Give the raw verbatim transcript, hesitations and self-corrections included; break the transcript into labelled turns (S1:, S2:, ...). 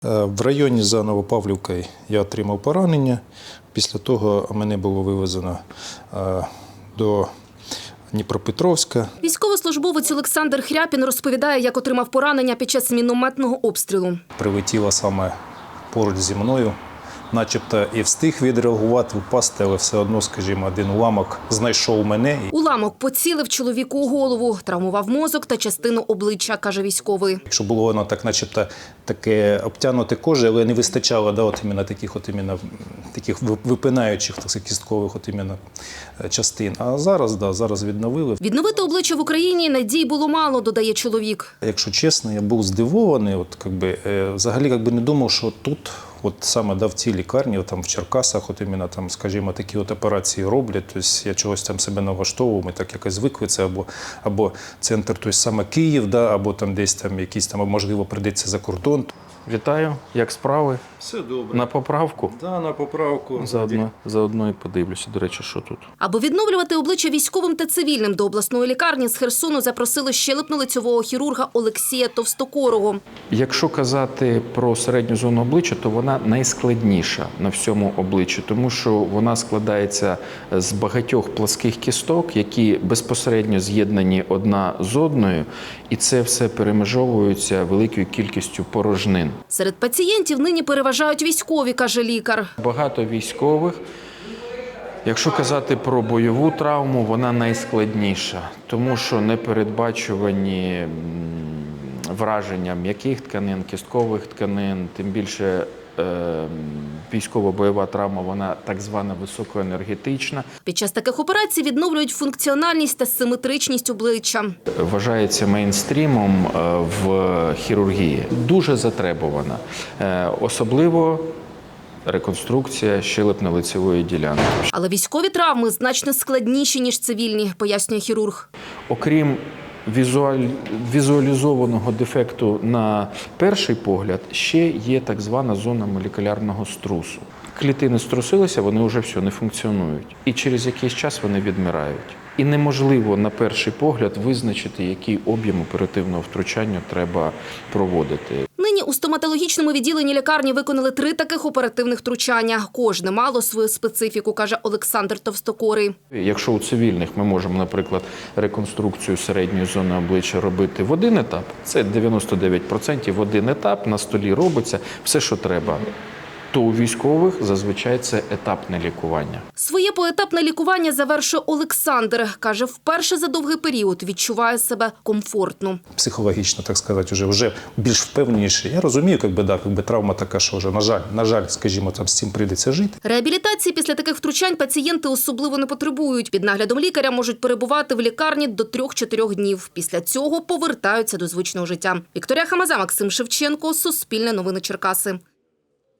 S1: В районі за Новопавлівкою я отримав поранення. Після того мене було вивезено до Дніпропетровська.
S2: Військовослужбовець Олександр Хряпін розповідає, як отримав поранення під час мінометного обстрілу.
S1: Прилетіло саме поруч зі мною. Начебто і встиг відреагувати, впасти, але все одно, скажімо, один уламок знайшов мене.
S2: Уламок поцілив чоловіку у голову, травмував мозок та частину обличчя, каже військовий.
S1: Якщо було воно так, начебто, таке обтягнуте кожею, але не вистачало да, от іменно таких, от іменно, таких випинаючих, так сказати, кісткових от іменно частин. А зараз, да, зараз відновили.
S2: Відновити обличчя в Україні надій було мало, додає чоловік.
S1: Якщо чесно, я був здивований, от, якби, взагалі якби не думав, що тут, от саме да, в цій лікарні, от, там, в Черкасах, от іменно, там, скажімо, такі от операції роблять. Тобто я чогось там себе налаштовував, ми так якось звикли, це або, або центр, тобто саме Київ, да, або там десь там якісь там, можливо, прийдеться за кордон.
S3: Вітаю, як справи?
S1: Все добре.
S3: На поправку?
S1: Да, на поправку.
S3: Заодно, заодно і подивлюся, до речі, що тут.
S2: Аби відновлювати обличчя військовим та цивільним, до обласної лікарні з Херсону запросили щелепно-лицьового хірурга Олексія Товстокорого.
S3: Якщо казати про середню зону обличчя, то вона найскладніша на всьому обличчі, тому що вона складається з багатьох пласких кісток, які безпосередньо з'єднані одна з одною, і це все перемежовується великою кількістю порожнин.
S2: Серед пацієнтів нині переважають військові, каже лікар.
S3: Багато військових. Якщо казати про бойову травму, вона найскладніша, тому що непередбачувані враження м'яких тканин, кісткових тканин, тим більше е, військово-бойова травма, вона так звана високоенергетична.
S2: Під час таких операцій відновлюють функціональність та симетричність обличчя.
S3: Вважається мейнстрімом в хірургії. Дуже затребувана. Особливо реконструкція щелепно-лицевої ділянки.
S2: Але військові травми значно складніші, ніж цивільні, пояснює хірург.
S3: Окрім візуаль... візуалізованого дефекту на перший погляд, ще є так звана зона молекулярного струсу. Клітини струсилися, вони вже все, не функціонують. І через якийсь час вони відмирають. І неможливо на перший погляд визначити, який об'єм оперативного втручання треба проводити.
S2: Нині у стоматологічному відділенні лікарні виконали три таких оперативних втручання. Кожне мало свою специфіку, каже Олександр Товстокорий.
S3: Якщо у цивільних ми можемо, наприклад, реконструкцію середньої зони обличчя робити в один етап, це дев'яносто дев'ять відсотків в один етап, на столі робиться все, що треба, то у військових зазвичай це етапне лікування.
S2: Своє поетапне лікування завершує Олександр. Каже, вперше за довгий період відчуває себе комфортно.
S1: Психологічно, так сказати, вже, вже більш впевненіше. Я розумію, якби, да, якби травма така, що вже, на жаль, на жаль, скажімо, там, з цим прийдеться жити.
S2: Реабілітації після таких втручань пацієнти особливо не потребують. Під наглядом лікаря можуть перебувати в лікарні до трьох-чотирьох днів. Після цього повертаються до звичного життя. Вікторія Хамаза, Максим Шевченко, Суспільне новини Черкаси.